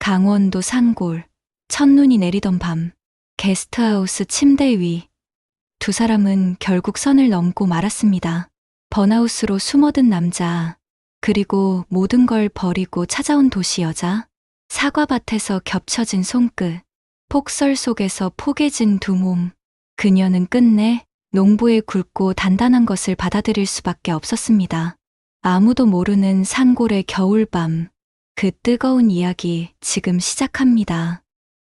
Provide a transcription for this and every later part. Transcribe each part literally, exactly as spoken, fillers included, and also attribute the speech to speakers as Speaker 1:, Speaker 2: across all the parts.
Speaker 1: 강원도 산골, 첫눈이 내리던 밤, 게스트하우스 침대 위. 두 사람은 결국 선을 넘고 말았습니다. 번하우스로 숨어든 남자, 그리고 모든 걸 버리고 찾아온 도시 여자, 사과밭에서 겹쳐진 손끝, 폭설 속에서 포개진 두 몸. 그녀는 끝내 농부의 굵고 단단한 것을 받아들일 수밖에 없었습니다. 아무도 모르는 산골의 겨울밤, 그 뜨거운 이야기 지금 시작합니다.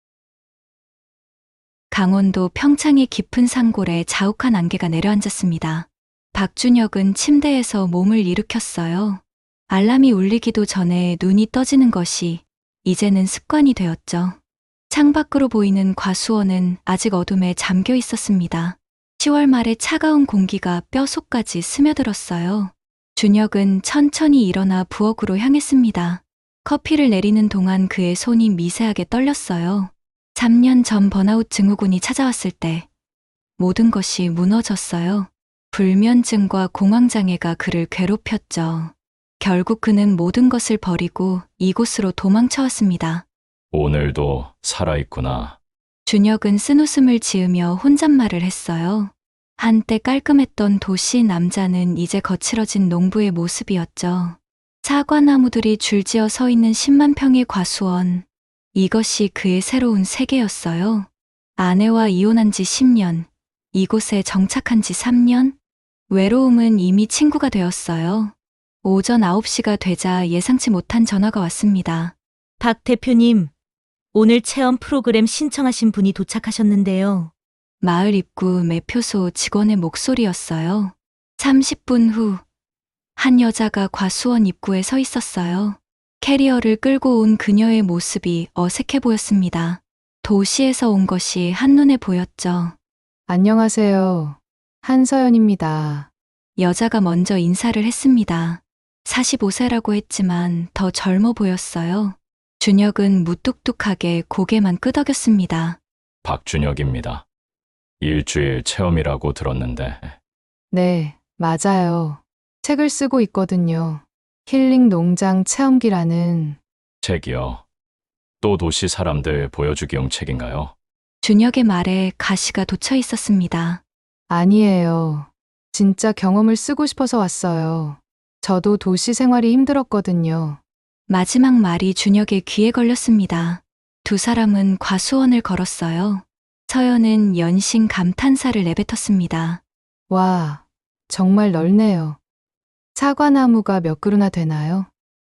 Speaker 1: 강원도 평창의 깊은 산골에 자욱한 안개가 내려앉았습니다. 박준혁은 침대에서 몸을 일으켰어요. 알람이 울리기도 전에 눈이 떠지는 것이 이제는 습관이 되었죠. 창밖으로 보이는 과수원은 아직 어둠에 잠겨 있었습니다. 시월 말의 차가운 공기가 뼛속까지 스며들었어요. 준혁은 천천히 일어나 부엌으로 향했습니다. 커피를 내리는 동안 그의 손이 미세하게 떨렸어요. 삼 년 전 번아웃 증후군이 찾아왔을 때 모든 것이 무너졌어요. 불면증과 공황장애가 그를 괴롭혔죠. 결국 그는 모든 것을 버리고 이곳으로 도망쳐왔습니다.
Speaker 2: 오늘도 살아있구나.
Speaker 1: 준혁은 쓴웃음을 지으며 혼잣말을 했어요. 한때 깔끔했던 도시 남자는 이제 거칠어진 농부의 모습이었죠. 사과나무들이 줄지어 서 있는 십만 평의 과수원. 이것이 그의 새로운 세계였어요. 아내와 이혼한 지 십 년, 이곳에 정착한 지 삼 년, 외로움은 이미 친구가 되었어요. 오전 아홉 시가 되자 예상치 못한 전화가 왔습니다.
Speaker 3: 박 대표님, 오늘 체험 프로그램 신청하신 분이 도착하셨는데요.
Speaker 1: 마을 입구 매표소 직원의 목소리였어요. 삼십 분 후, 한 여자가 과수원 입구에 서 있었어요. 캐리어를 끌고 온 그녀의 모습이 어색해 보였습니다. 도시에서 온 것이 한눈에 보였죠.
Speaker 4: 안녕하세요. 한서연입니다.
Speaker 1: 여자가 먼저 인사를 했습니다. 사십오 세라고 했지만 더 젊어 보였어요. 준혁은 무뚝뚝하게 고개만 끄덕였습니다.
Speaker 2: 박준혁입니다. 일주일 체험이라고 들었는데
Speaker 4: 네, 맞아요. 책을 쓰고 있거든요. 힐링 농장 체험기라는.
Speaker 2: 책이요. 또 도시 사람들 보여주기용 책인가요?
Speaker 1: 준혁의 말에 가시가 돋쳐 있었습니다.
Speaker 4: 아니에요. 진짜 경험을 쓰고 싶어서 왔어요. 저도 도시 생활이 힘들었거든요.
Speaker 1: 마지막 말이 준혁의 귀에 걸렸습니다. 두 사람은 과수원을 걸었어요. 서연은 연신 감탄사를 내뱉었습니다.
Speaker 4: 와, 정말 넓네요. 사과나무가 몇 그루나 되나요?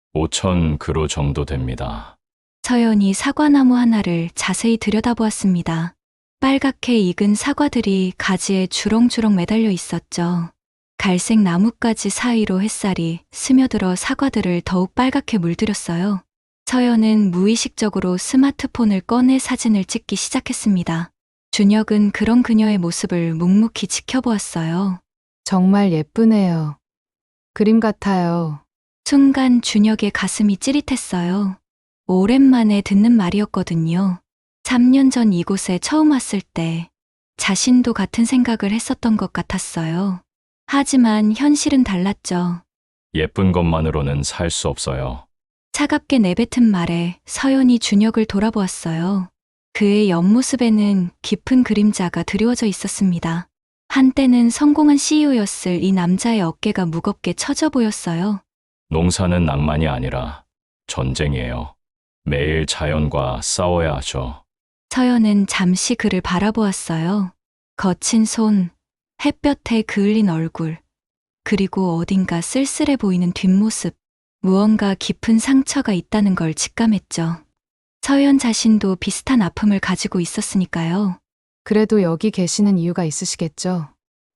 Speaker 2: 오천 그루 정도 됩니다.
Speaker 1: 서연이 사과나무 하나를 자세히 들여다보았습니다. 빨갛게 익은 사과들이 가지에 주렁주렁 매달려 있었죠. 갈색 나뭇가지 사이로 햇살이 스며들어 사과들을 더욱 빨갛게 물들였어요. 서연은 무의식적으로 스마트폰을 꺼내 사진을 찍기 시작했습니다. 준혁은 그런 그녀의 모습을 묵묵히 지켜보았어요.
Speaker 4: 정말 예쁘네요. 그림 같아요.
Speaker 1: 순간 준혁의 가슴이 찌릿했어요. 오랜만에 듣는 말이었거든요. 삼 년 전 이곳에 처음 왔을 때 자신도 같은 생각을 했었던 것 같았어요. 하지만 현실은 달랐죠.
Speaker 2: 예쁜 것만으로는 살 수 없어요.
Speaker 1: 차갑게 내뱉은 말에 서연이 준혁을 돌아보았어요. 그의 옆모습에는 깊은 그림자가 드리워져 있었습니다. 한때는 성공한 씨이오였을 이 남자의 어깨가 무겁게 처져 보였어요.
Speaker 2: 농사는 낭만이 아니라 전쟁이에요. 매일 자연과 싸워야 하죠.
Speaker 1: 서연은 잠시 그를 바라보았어요. 거친 손, 햇볕에 그을린 얼굴, 그리고 어딘가 쓸쓸해 보이는 뒷모습, 무언가 깊은 상처가 있다는 걸 직감했죠. 서연 자신도 비슷한 아픔을 가지고 있었으니까요.
Speaker 4: 그래도 여기 계시는 이유가 있으시겠죠?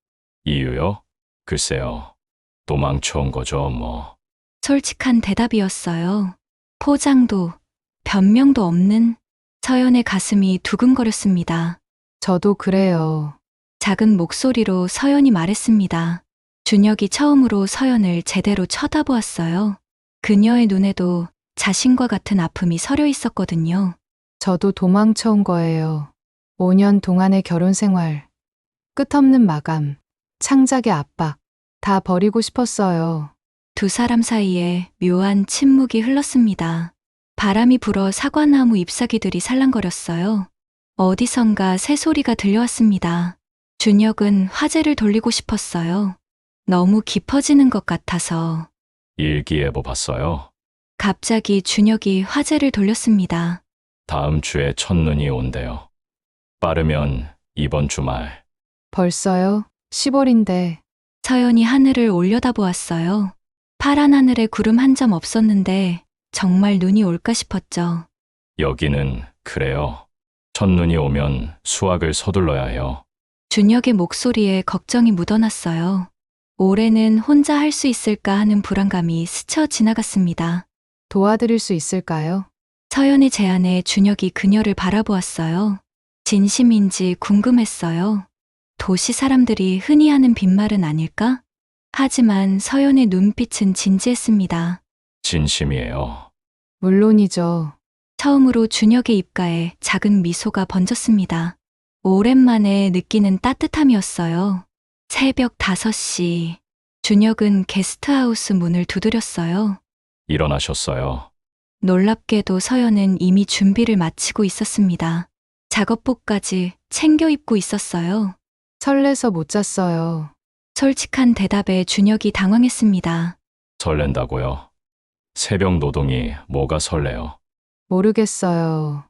Speaker 2: 이유요? 글쎄요. 도망쳐온 거죠, 뭐.
Speaker 1: 솔직한 대답이었어요. 포장도, 변명도 없는. 서연의 가슴이 두근거렸습니다.
Speaker 4: 저도 그래요.
Speaker 1: 작은 목소리로 서연이 말했습니다. 준혁이 처음으로 서연을 제대로 쳐다보았어요. 그녀의 눈에도 자신과 같은 아픔이 서려 있었거든요.
Speaker 4: 저도 도망쳐온 거예요. 오 년 동안의 결혼 생활, 끝없는 마감, 창작의 압박, 다 버리고 싶었어요.
Speaker 1: 두 사람 사이에 묘한 침묵이 흘렀습니다. 바람이 불어 사과나무 잎사귀들이 살랑거렸어요. 어디선가 새소리가 들려왔습니다. 준혁은 화제를 돌리고 싶었어요. 너무 깊어지는 것 같아서.
Speaker 2: 일기예보 봤어요.
Speaker 1: 갑자기 준혁이 화제를 돌렸습니다.
Speaker 2: 다음 주에 첫눈이 온대요. 빠르면 이번 주말.
Speaker 4: 벌써요? 시월인데.
Speaker 1: 서연이 하늘을 올려다보았어요. 파란 하늘에 구름 한 점 없었는데 정말 눈이 올까 싶었죠.
Speaker 2: 여기는 그래요. 첫눈이 오면 수확을 서둘러야 해요.
Speaker 1: 준혁의 목소리에 걱정이 묻어났어요. 올해는 혼자 할 수 있을까 하는 불안감이 스쳐 지나갔습니다.
Speaker 4: 도와드릴 수 있을까요?
Speaker 1: 서연의 제안에 준혁이 그녀를 바라보았어요. 진심인지 궁금했어요. 도시 사람들이 흔히 하는 빈말은 아닐까? 하지만 서연의 눈빛은 진지했습니다.
Speaker 2: 진심이에요.
Speaker 4: 물론이죠.
Speaker 1: 처음으로 준혁의 입가에 작은 미소가 번졌습니다. 오랜만에 느끼는 따뜻함이었어요. 새벽 다섯 시. 준혁은 게스트하우스 문을 두드렸어요.
Speaker 2: 일어나셨어요.
Speaker 1: 놀랍게도 서연은 이미 준비를 마치고 있었습니다. 작업복까지 챙겨 입고 있었어요.
Speaker 4: 설레서 못 잤어요.
Speaker 1: 솔직한 대답에 준혁이 당황했습니다.
Speaker 2: 설렌다고요. 새벽 노동이 뭐가 설레요.
Speaker 4: 모르겠어요.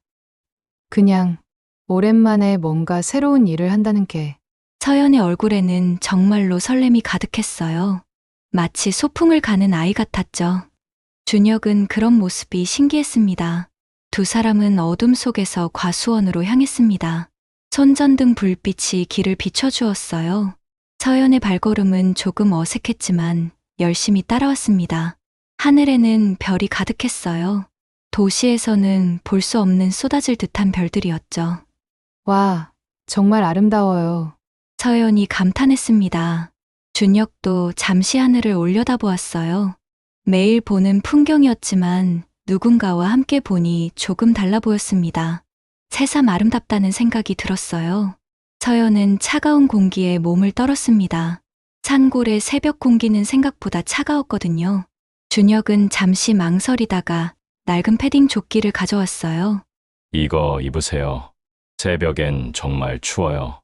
Speaker 4: 그냥 오랜만에 뭔가 새로운 일을 한다는 게.
Speaker 1: 서연의 얼굴에는 정말로 설렘이 가득했어요. 마치 소풍을 가는 아이 같았죠. 준혁은 그런 모습이 신기했습니다. 두 사람은 어둠 속에서 과수원으로 향했습니다. 손전등 불빛이 길을 비춰주었어요. 서연의 발걸음은 조금 어색했지만 열심히 따라왔습니다. 하늘에는 별이 가득했어요. 도시에서는 볼 수 없는 쏟아질 듯한 별들이었죠.
Speaker 4: 와, 정말 아름다워요.
Speaker 1: 서연이 감탄했습니다. 준혁도 잠시 하늘을 올려다보았어요. 매일 보는 풍경이었지만 누군가와 함께 보니 조금 달라 보였습니다. 새삼 아름답다는 생각이 들었어요. 서연은 차가운 공기에 몸을 떨었습니다. 산골의 새벽 공기는 생각보다 차가웠거든요. 준혁은 잠시 망설이다가 낡은 패딩 조끼를 가져왔어요.
Speaker 2: 이거 입으세요. 새벽엔 정말 추워요.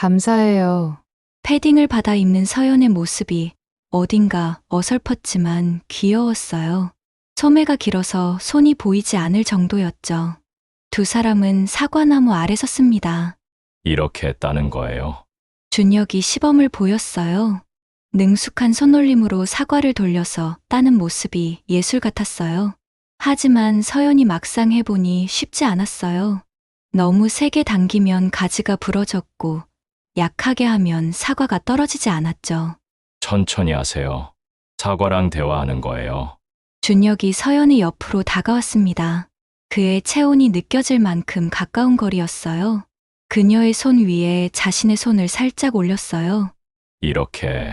Speaker 4: 감사해요.
Speaker 1: 패딩을 받아 입는 서연의 모습이 어딘가 어설펐지만 귀여웠어요. 소매가 길어서 손이 보이지 않을 정도였죠. 두 사람은 사과나무 아래 섰습니다.
Speaker 2: 이렇게 따는 거예요.
Speaker 1: 준혁이 시범을 보였어요. 능숙한 손놀림으로 사과를 돌려서 따는 모습이 예술 같았어요. 하지만 서연이 막상 해보니 쉽지 않았어요. 너무 세게 당기면 가지가 부러졌고 약하게 하면 사과가 떨어지지 않았죠.
Speaker 2: 천천히 하세요. 사과랑 대화하는 거예요.
Speaker 1: 준혁이 서연의 옆으로 다가왔습니다. 그의 체온이 느껴질 만큼 가까운 거리였어요. 그녀의 손 위에 자신의 손을 살짝 올렸어요.
Speaker 2: 이렇게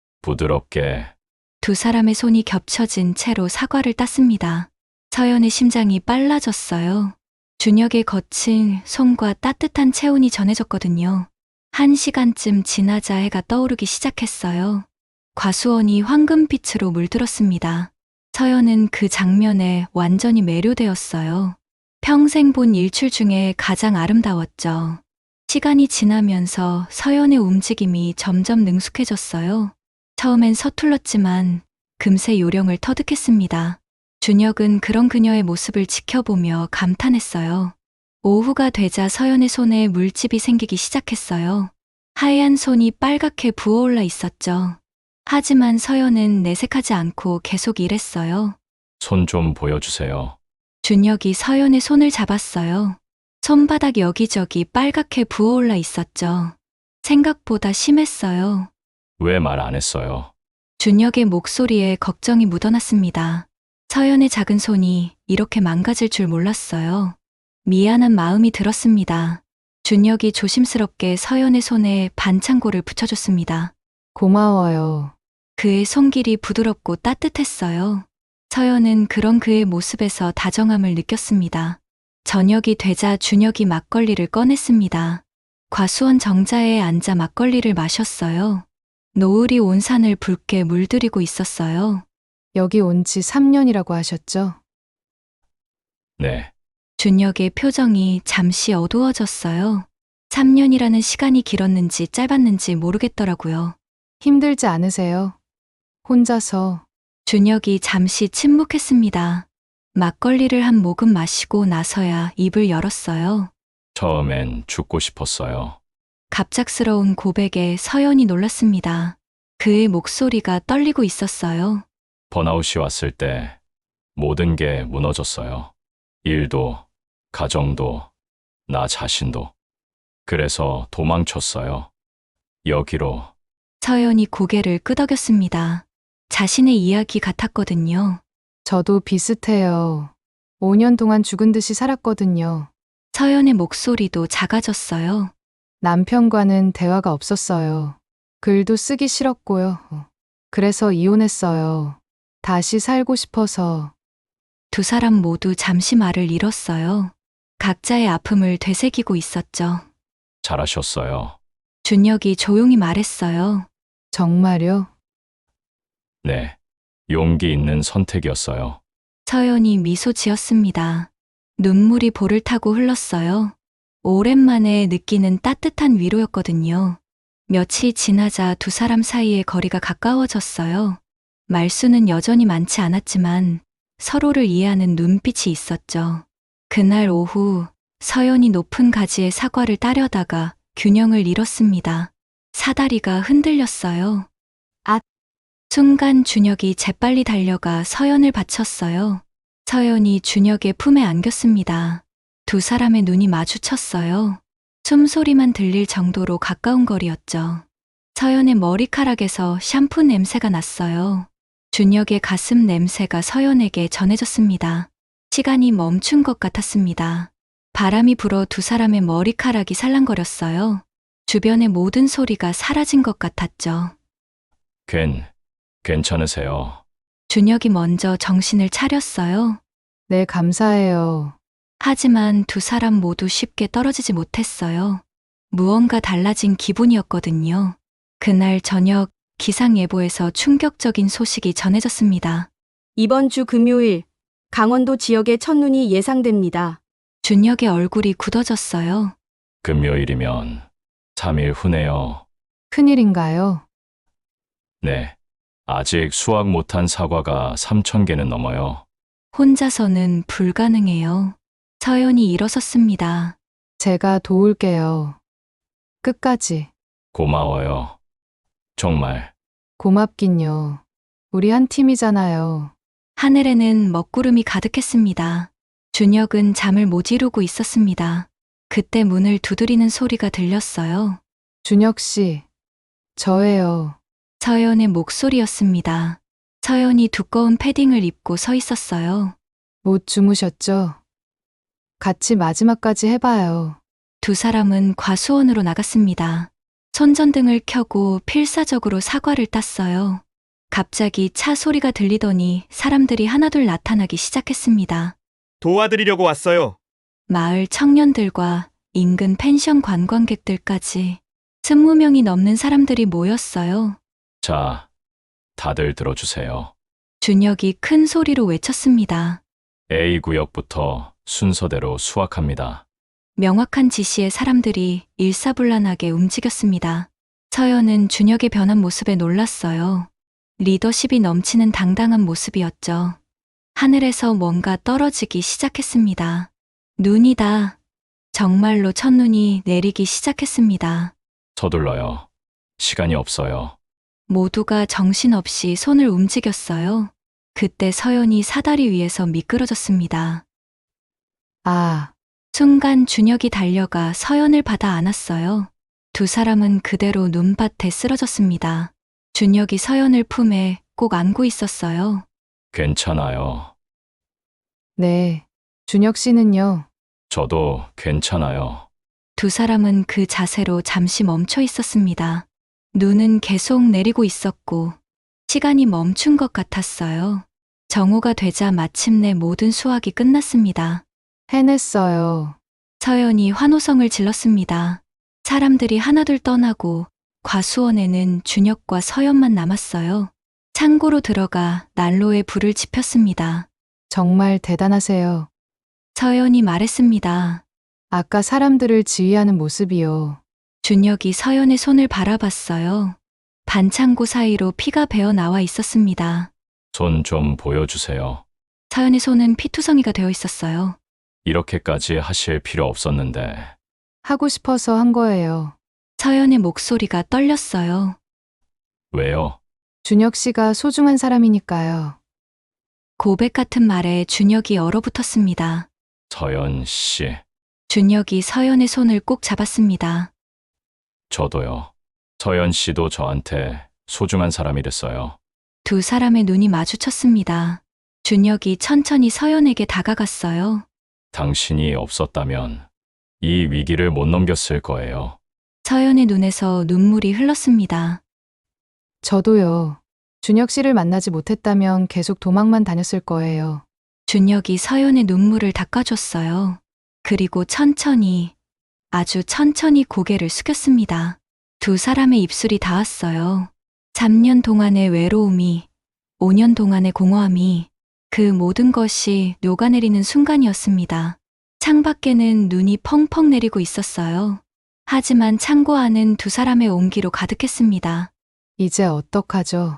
Speaker 2: 부드럽게.
Speaker 1: 두 사람의 손이 겹쳐진 채로 사과를 땄습니다. 서연의 심장이 빨라졌어요. 준혁의 거친 손과 따뜻한 체온이 전해졌거든요. 한 시간쯤 지나자 해가 떠오르기 시작했어요. 과수원이 황금빛으로 물들었습니다. 서연은 그 장면에 완전히 매료되었어요. 평생 본 일출 중에 가장 아름다웠죠. 시간이 지나면서 서연의 움직임이 점점 능숙해졌어요. 처음엔 서툴렀지만 금세 요령을 터득했습니다. 준혁은 그런 그녀의 모습을 지켜보며 감탄했어요. 오후가 되자 서연의 손에 물집이 생기기 시작했어요. 하얀 손이 빨갛게 부어올라 있었죠. 하지만 서연은 내색하지 않고 계속 일했어요.
Speaker 2: 손 좀 보여주세요.
Speaker 1: 준혁이 서연의 손을 잡았어요. 손바닥 여기저기 빨갛게 부어올라 있었죠. 생각보다 심했어요.
Speaker 2: 왜 말 안 했어요?
Speaker 1: 준혁의 목소리에 걱정이 묻어났습니다. 서연의 작은 손이 이렇게 망가질 줄 몰랐어요. 미안한 마음이 들었습니다. 준혁이 조심스럽게 서연의 손에 반창고를 붙여줬습니다.
Speaker 4: 고마워요.
Speaker 1: 그의 손길이 부드럽고 따뜻했어요. 서연은 그런 그의 모습에서 다정함을 느꼈습니다. 저녁이 되자 준혁이 막걸리를 꺼냈습니다. 과수원 정자에 앉아 막걸리를 마셨어요. 노을이 온 산을 붉게 물들이고 있었어요.
Speaker 4: 여기 온 지 삼 년이라고 하셨죠?
Speaker 2: 네,
Speaker 1: 준혁의 표정이 잠시 어두워졌어요. 삼 년이라는 시간이 길었는지 짧았는지 모르겠더라고요.
Speaker 4: 힘들지 않으세요? 혼자서.
Speaker 1: 준혁이 잠시 침묵했습니다. 막걸리를 한 모금 마시고 나서야 입을 열었어요.
Speaker 2: 처음엔 죽고 싶었어요.
Speaker 1: 갑작스러운 고백에 서연이 놀랐습니다. 그의 목소리가 떨리고 있었어요.
Speaker 2: 번아웃이 왔을 때 모든 게 무너졌어요. 일도, 가정도, 나 자신도. 그래서 도망쳤어요. 여기로.
Speaker 1: 서연이 고개를 끄덕였습니다. 자신의 이야기 같았거든요.
Speaker 4: 저도 비슷해요. 오 년 동안 죽은 듯이 살았거든요.
Speaker 1: 서연의 목소리도 작아졌어요.
Speaker 4: 남편과는 대화가 없었어요. 글도 쓰기 싫었고요. 그래서 이혼했어요. 다시 살고 싶어서.
Speaker 1: 두 사람 모두 잠시 말을 잃었어요. 각자의 아픔을 되새기고 있었죠.
Speaker 2: 잘하셨어요.
Speaker 1: 준혁이 조용히 말했어요.
Speaker 4: 정말요?
Speaker 2: 네, 용기 있는 선택이었어요.
Speaker 1: 서연이 미소 지었습니다. 눈물이 볼을 타고 흘렀어요. 오랜만에 느끼는 따뜻한 위로였거든요. 며칠 지나자 두 사람 사이의 거리가 가까워졌어요. 말수는 여전히 많지 않았지만 서로를 이해하는 눈빛이 있었죠. 그날 오후 서연이 높은 가지의 사과를 따려다가 균형을 잃었습니다. 사다리가 흔들렸어요.
Speaker 4: 앗!
Speaker 1: 순간 준혁이 재빨리 달려가 서연을 받쳤어요. 서연이 준혁의 품에 안겼습니다. 두 사람의 눈이 마주쳤어요. 숨소리만 들릴 정도로 가까운 거리였죠. 서연의 머리카락에서 샴푸 냄새가 났어요. 준혁의 가슴 냄새가 서연에게 전해졌습니다. 시간이 멈춘 것 같았습니다. 바람이 불어 두 사람의 머리카락이 살랑거렸어요. 주변의 모든 소리가 사라진 것 같았죠.
Speaker 2: 괜, 괜찮으세요?
Speaker 1: 준혁이 먼저 정신을 차렸어요.
Speaker 4: 네, 감사해요.
Speaker 1: 하지만 두 사람 모두 쉽게 떨어지지 못했어요. 무언가 달라진 기분이었거든요. 그날 저녁 기상예보에서 충격적인 소식이 전해졌습니다.
Speaker 5: 이번 주 금요일 강원도 지역에 첫눈이 예상됩니다.
Speaker 1: 준혁의 얼굴이 굳어졌어요.
Speaker 2: 금요일이면 삼 일 후네요.
Speaker 4: 큰일인가요?
Speaker 2: 네, 아직 수확 못한 사과가 삼천 개는 넘어요.
Speaker 1: 혼자서는 불가능해요. 서연이 일어섰습니다.
Speaker 4: 제가 도울게요. 끝까지.
Speaker 2: 고마워요. 정말.
Speaker 4: 고맙긴요. 우리 한 팀이잖아요.
Speaker 1: 하늘에는 먹구름이 가득했습니다. 준혁은 잠을 못 이루고 있었습니다. 그때 문을 두드리는 소리가 들렸어요.
Speaker 4: 준혁 씨, 저예요.
Speaker 1: 서연의 목소리였습니다. 서연이 두꺼운 패딩을 입고 서 있었어요.
Speaker 4: 못 주무셨죠? 같이 마지막까지 해봐요.
Speaker 1: 두 사람은 과수원으로 나갔습니다. 손전등을 켜고 필사적으로 사과를 땄어요. 갑자기 차 소리가 들리더니 사람들이 하나둘 나타나기 시작했습니다.
Speaker 6: 도와드리려고 왔어요.
Speaker 1: 마을 청년들과 인근 펜션 관광객들까지 스무 명이 넘는 사람들이 모였어요.
Speaker 2: 자, 다들 들어주세요.
Speaker 1: 준혁이 큰 소리로 외쳤습니다.
Speaker 2: A 구역부터 순서대로 수확합니다.
Speaker 1: 명확한 지시에 사람들이 일사불란하게 움직였습니다. 서연은 준혁의 변한 모습에 놀랐어요. 리더십이 넘치는 당당한 모습이었죠. 하늘에서 뭔가 떨어지기 시작했습니다. 눈이다. 정말로 첫눈이 내리기 시작했습니다.
Speaker 2: 서둘러요. 시간이 없어요.
Speaker 1: 모두가 정신없이 손을 움직였어요. 그때 서연이 사다리 위에서 미끄러졌습니다.
Speaker 4: 아,
Speaker 1: 순간 준혁이 달려가 서연을 받아 안았어요. 두 사람은 그대로 눈밭에 쓰러졌습니다. 준혁이 서연을 품에 꼭 안고 있었어요.
Speaker 2: 괜찮아요.
Speaker 4: 네. 준혁 씨는요?
Speaker 2: 저도 괜찮아요.
Speaker 1: 두 사람은 그 자세로 잠시 멈춰 있었습니다. 눈은 계속 내리고 있었고 시간이 멈춘 것 같았어요. 정오가 되자 마침내 모든 수확이 끝났습니다.
Speaker 4: 해냈어요.
Speaker 1: 서연이 환호성을 질렀습니다. 사람들이 하나둘 떠나고 과수원에는 준혁과 서연만 남았어요. 창고로 들어가 난로에 불을 지폈습니다.
Speaker 4: 정말 대단하세요.
Speaker 1: 서연이 말했습니다.
Speaker 4: 아까 사람들을 지휘하는 모습이요.
Speaker 1: 준혁이 서연의 손을 바라봤어요. 반창고 사이로 피가 배어 나와 있었습니다.
Speaker 2: 손 좀 보여주세요.
Speaker 1: 서연의 손은 피투성이가 되어 있었어요.
Speaker 2: 이렇게까지 하실 필요 없었는데.
Speaker 4: 하고 싶어서 한 거예요.
Speaker 1: 서연의 목소리가 떨렸어요.
Speaker 2: 왜요?
Speaker 4: 준혁 씨가 소중한 사람이니까요.
Speaker 1: 고백 같은 말에 준혁이 얼어붙었습니다.
Speaker 2: 서연 씨,
Speaker 1: 준혁이 서연의 손을 꼭 잡았습니다.
Speaker 2: 저도요. 서연 씨도 저한테 소중한 사람이 됐어요.
Speaker 1: 두 사람의 눈이 마주쳤습니다. 준혁이 천천히 서연에게 다가갔어요.
Speaker 2: 당신이 없었다면 이 위기를 못 넘겼을 거예요.
Speaker 1: 서연의 눈에서 눈물이 흘렀습니다.
Speaker 4: 저도요. 준혁 씨를 만나지 못했다면 계속 도망만 다녔을 거예요.
Speaker 1: 준혁이 서연의 눈물을 닦아줬어요. 그리고 천천히, 아주 천천히 고개를 숙였습니다. 두 사람의 입술이 닿았어요. 삼 년 동안의 외로움이, 오 년 동안의 공허함이, 그 모든 것이 녹아내리는 순간이었습니다. 창밖에는 눈이 펑펑 내리고 있었어요. 하지만 창고 안은 두 사람의 온기로 가득했습니다.
Speaker 4: 이제 어떡하죠?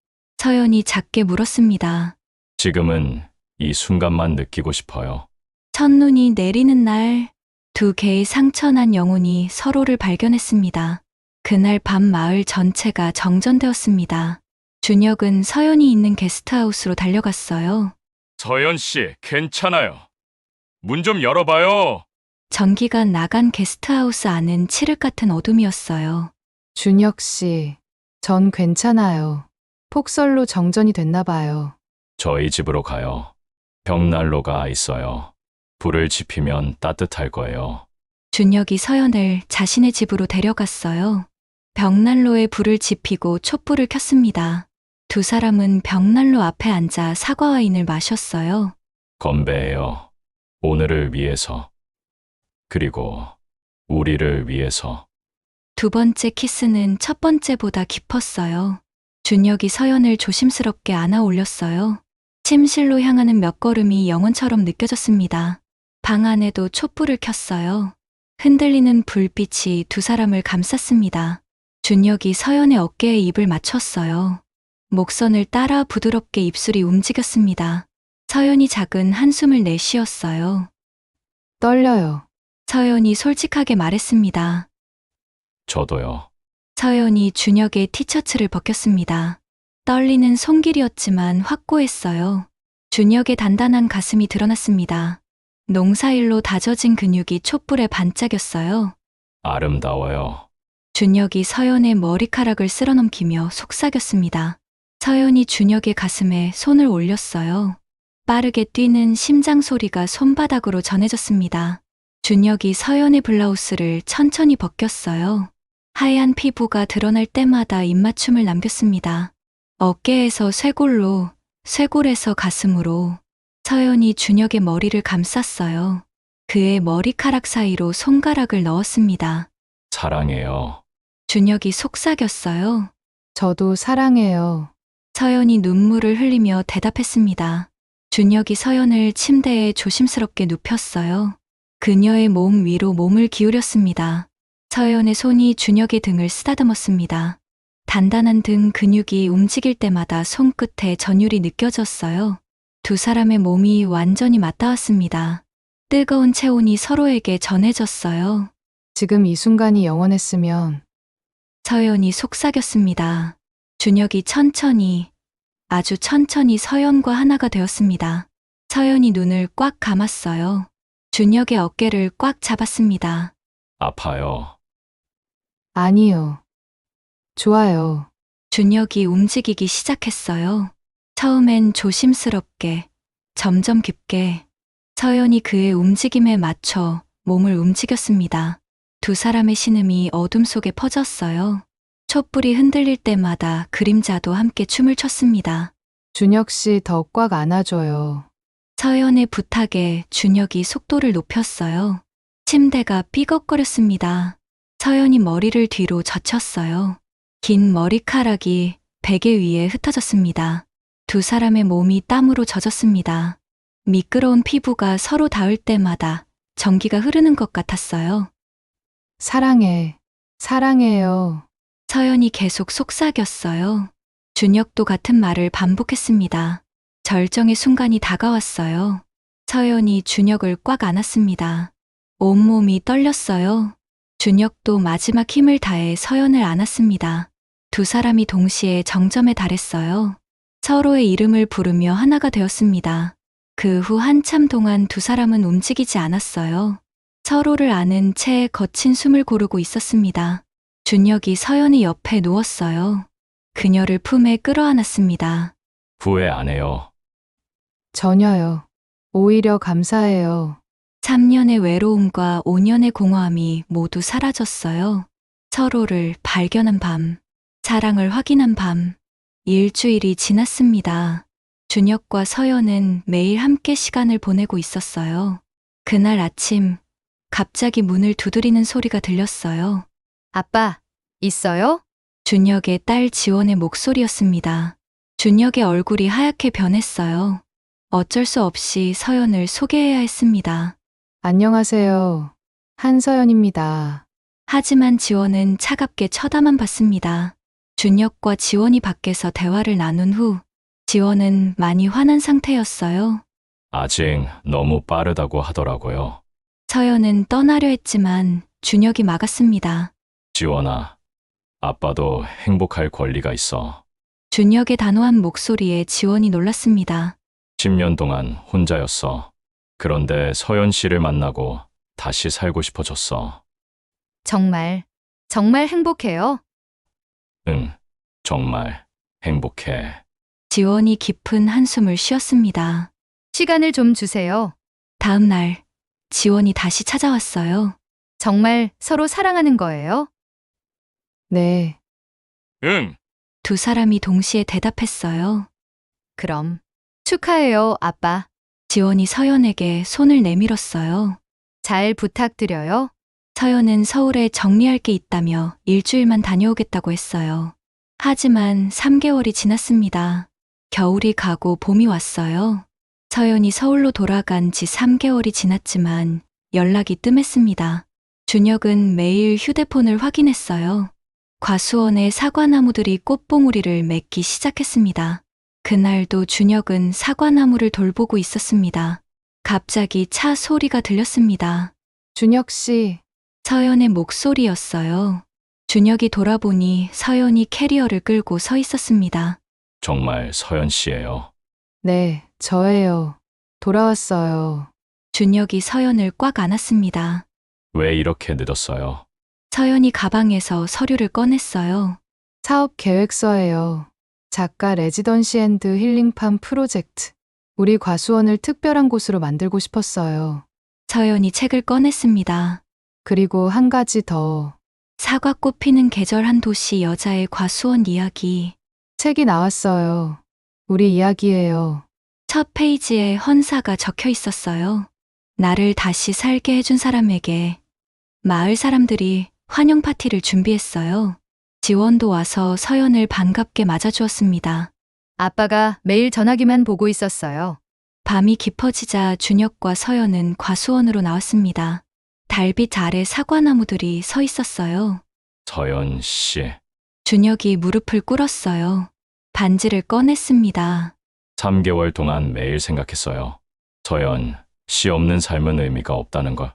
Speaker 1: 서연이 작게 물었습니다.
Speaker 2: 지금은 이 순간만 느끼고 싶어요.
Speaker 1: 첫눈이 내리는 날, 두 개의 상처난 영혼이 서로를 발견했습니다. 그날 밤 마을 전체가 정전되었습니다. 준혁은 서연이 있는 게스트하우스로 달려갔어요.
Speaker 2: 서연 씨, 괜찮아요. 문 좀 열어봐요.
Speaker 1: 전기가 나간 게스트하우스 안은 칠흑 같은 어둠이었어요.
Speaker 4: 준혁 씨, 전 괜찮아요. 폭설로 정전이 됐나 봐요.
Speaker 2: 저희 집으로 가요. 벽난로가 있어요. 불을 지피면 따뜻할 거예요.
Speaker 1: 준혁이 서연을 자신의 집으로 데려갔어요. 벽난로에 불을 지피고 촛불을 켰습니다. 두 사람은 벽난로 앞에 앉아 사과와인을 마셨어요.
Speaker 2: 건배해요. 오늘을 위해서. 그리고 우리를 위해서.
Speaker 1: 두 번째 키스는 첫 번째보다 깊었어요. 준혁이 서연을 조심스럽게 안아 올렸어요. 침실로 향하는 몇 걸음이 영원처럼 느껴졌습니다. 방 안에도 촛불을 켰어요. 흔들리는 불빛이 두 사람을 감쌌습니다. 준혁이 서연의 어깨에 입을 맞췄어요. 목선을 따라 부드럽게 입술이 움직였습니다. 서연이 작은 한숨을 내쉬었어요.
Speaker 4: 떨려요.
Speaker 1: 서연이 솔직하게 말했습니다.
Speaker 2: 저도요.
Speaker 1: 서연이 준혁의 티셔츠를 벗겼습니다. 떨리는 손길이었지만 확고했어요. 준혁의 단단한 가슴이 드러났습니다. 농사일로 다져진 근육이 촛불에 반짝였어요.
Speaker 2: 아름다워요.
Speaker 1: 준혁이 서연의 머리카락을 쓸어넘기며 속삭였습니다. 서연이 준혁의 가슴에 손을 올렸어요. 빠르게 뛰는 심장 소리가 손바닥으로 전해졌습니다. 준혁이 서연의 블라우스를 천천히 벗겼어요. 하얀 피부가 드러날 때마다 입맞춤을 남겼습니다. 어깨에서 쇄골로, 쇄골에서 가슴으로 서연이 준혁의 머리를 감쌌어요. 그의 머리카락 사이로 손가락을 넣었습니다.
Speaker 2: 사랑해요.
Speaker 1: 준혁이 속삭였어요.
Speaker 4: 저도 사랑해요.
Speaker 1: 서연이 눈물을 흘리며 대답했습니다. 준혁이 서연을 침대에 조심스럽게 눕혔어요. 그녀의 몸 위로 몸을 기울였습니다. 서연의 손이 준혁의 등을 쓰다듬었습니다. 단단한 등 근육이 움직일 때마다 손끝에 전율이 느껴졌어요. 두 사람의 몸이 완전히 맞닿았습니다. 뜨거운 체온이 서로에게 전해졌어요.
Speaker 4: 지금 이 순간이 영원했으면
Speaker 1: 서연이 속삭였습니다. 준혁이 천천히, 아주 천천히 서연과 하나가 되었습니다. 서연이 눈을 꽉 감았어요. 준혁의 어깨를 꽉 잡았습니다.
Speaker 2: 아파요.
Speaker 4: 아니요. 좋아요.
Speaker 1: 준혁이 움직이기 시작했어요. 처음엔 조심스럽게, 점점 깊게. 서연이 그의 움직임에 맞춰 몸을 움직였습니다. 두 사람의 신음이 어둠 속에 퍼졌어요. 촛불이 흔들릴 때마다 그림자도 함께 춤을 췄습니다.
Speaker 4: 준혁 씨 더 꽉 안아줘요.
Speaker 1: 서연의 부탁에 준혁이 속도를 높였어요. 침대가 삐걱거렸습니다. 서연이 머리를 뒤로 젖혔어요. 긴 머리카락이 베개 위에 흩어졌습니다. 두 사람의 몸이 땀으로 젖었습니다. 미끄러운 피부가 서로 닿을 때마다 전기가 흐르는 것 같았어요.
Speaker 4: 사랑해. 사랑해요.
Speaker 1: 서연이 계속 속삭였어요. 준혁도 같은 말을 반복했습니다. 절정의 순간이 다가왔어요. 서연이 준혁을 꽉 안았습니다. 온몸이 떨렸어요. 준혁도 마지막 힘을 다해 서연을 안았습니다. 두 사람이 동시에 정점에 달했어요. 서로의 이름을 부르며 하나가 되었습니다. 그 후 한참 동안 두 사람은 움직이지 않았어요. 서로를 아는 채 거친 숨을 고르고 있었습니다. 준혁이 서연이 옆에 누웠어요. 그녀를 품에 끌어안았습니다.
Speaker 2: 후회 안 해요.
Speaker 4: 전혀요. 오히려 감사해요.
Speaker 1: 삼 년의 외로움과 오 년의 공허함이 모두 사라졌어요. 서로를 발견한 밤, 사랑을 확인한 밤, 일주일이 지났습니다. 준혁과 서연은 매일 함께 시간을 보내고 있었어요. 그날 아침, 갑자기 문을 두드리는 소리가 들렸어요.
Speaker 5: 아빠, 있어요?
Speaker 1: 준혁의 딸 지원의 목소리였습니다. 준혁의 얼굴이 하얗게 변했어요. 어쩔 수 없이 서연을 소개해야 했습니다.
Speaker 4: 안녕하세요. 한서연입니다.
Speaker 1: 하지만 지원은 차갑게 쳐다만 봤습니다. 준혁과 지원이 밖에서 대화를 나눈 후 지원은 많이 화난 상태였어요.
Speaker 2: 아직 너무 빠르다고 하더라고요.
Speaker 1: 서연은 떠나려 했지만 준혁이 막았습니다.
Speaker 2: 지원아, 아빠도 행복할 권리가 있어.
Speaker 1: 준혁의 단호한 목소리에 지원이 놀랐습니다.
Speaker 2: 십 년 동안 혼자였어. 그런데 서연 씨를 만나고 다시 살고 싶어졌어.
Speaker 5: 정말, 정말 행복해요.
Speaker 2: 응, 정말 행복해.
Speaker 1: 지원이 깊은 한숨을 쉬었습니다.
Speaker 5: 시간을 좀 주세요.
Speaker 1: 다음 날 지원이 다시 찾아왔어요.
Speaker 5: 정말 서로 사랑하는 거예요?
Speaker 4: 네.
Speaker 2: 응.
Speaker 1: 두 사람이 동시에 대답했어요.
Speaker 5: 그럼 축하해요, 아빠.
Speaker 1: 지원이 서연에게 손을 내밀었어요.
Speaker 5: 잘 부탁드려요.
Speaker 1: 서연은 서울에 정리할 게 있다며 일주일만 다녀오겠다고 했어요. 하지만 삼 개월이 지났습니다. 겨울이 가고 봄이 왔어요. 서연이 서울로 돌아간 지 삼 개월이 지났지만 연락이 뜸했습니다. 준혁은 매일 휴대폰을 확인했어요. 과수원의 사과나무들이 꽃봉오리를 맺기 시작했습니다. 그날도 준혁은 사과나무를 돌보고 있었습니다. 갑자기 차 소리가 들렸습니다.
Speaker 4: 준혁 씨,
Speaker 1: 서연의 목소리였어요. 준혁이 돌아보니 서연이 캐리어를 끌고 서 있었습니다.
Speaker 2: 정말 서연 씨예요.
Speaker 4: 네, 저예요. 돌아왔어요.
Speaker 1: 준혁이 서연을 꽉 안았습니다.
Speaker 2: 왜 이렇게 늦었어요?
Speaker 1: 서연이 가방에서 서류를 꺼냈어요.
Speaker 4: 사업 계획서예요. 작가 레지던시 앤드 힐링팜 프로젝트. 우리 과수원을 특별한 곳으로 만들고 싶었어요.
Speaker 1: 서연이 책을 꺼냈습니다.
Speaker 4: 그리고 한 가지 더.
Speaker 1: 사과꽃 피는 계절 한 도시 여자의 과수원 이야기.
Speaker 4: 책이 나왔어요. 우리 이야기예요.
Speaker 1: 첫 페이지에 헌사가 적혀 있었어요. 나를 다시 살게 해준 사람에게. 마을 사람들이 환영 파티를 준비했어요. 지원도 와서 서연을 반갑게 맞아주었습니다.
Speaker 5: 아빠가 매일 전화기만 보고 있었어요.
Speaker 1: 밤이 깊어지자 준혁과 서연은 과수원으로 나왔습니다. 달빛 아래 사과나무들이 서 있었어요.
Speaker 2: 서연 씨.
Speaker 1: 준혁이 무릎을 꿇었어요. 반지를 꺼냈습니다.
Speaker 2: 삼 개월 동안 매일 생각했어요. 서연 씨 없는 삶은 의미가 없다는 걸.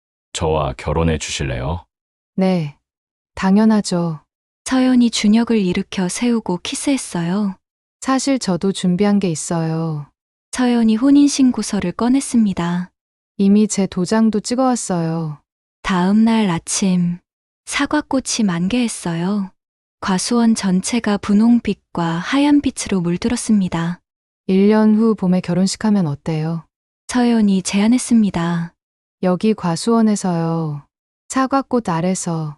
Speaker 2: 저와 결혼해 주실래요?
Speaker 4: 네, 당연하죠.
Speaker 1: 서연이 준혁을 일으켜 세우고 키스했어요.
Speaker 4: 사실 저도 준비한 게 있어요.
Speaker 1: 서연이 혼인신고서를 꺼냈습니다.
Speaker 4: 이미 제 도장도 찍어왔어요.
Speaker 1: 다음 날 아침, 사과꽃이 만개했어요. 과수원 전체가 분홍빛과 하얀 빛으로 물들었습니다.
Speaker 4: 일 년 후 봄에 결혼식하면 어때요?
Speaker 1: 서연이 제안했습니다.
Speaker 4: 여기 과수원에서요. 사과꽃 아래서.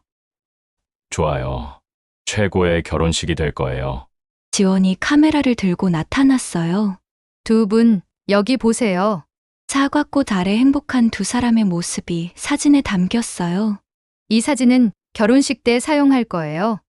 Speaker 2: 좋아요. 최고의 결혼식이 될 거예요.
Speaker 1: 지원이 카메라를 들고 나타났어요.
Speaker 5: 두 분, 여기 보세요.
Speaker 1: 사과꽃 아래 행복한 두 사람의 모습이 사진에 담겼어요.
Speaker 5: 이 사진은 결혼식 때 사용할 거예요.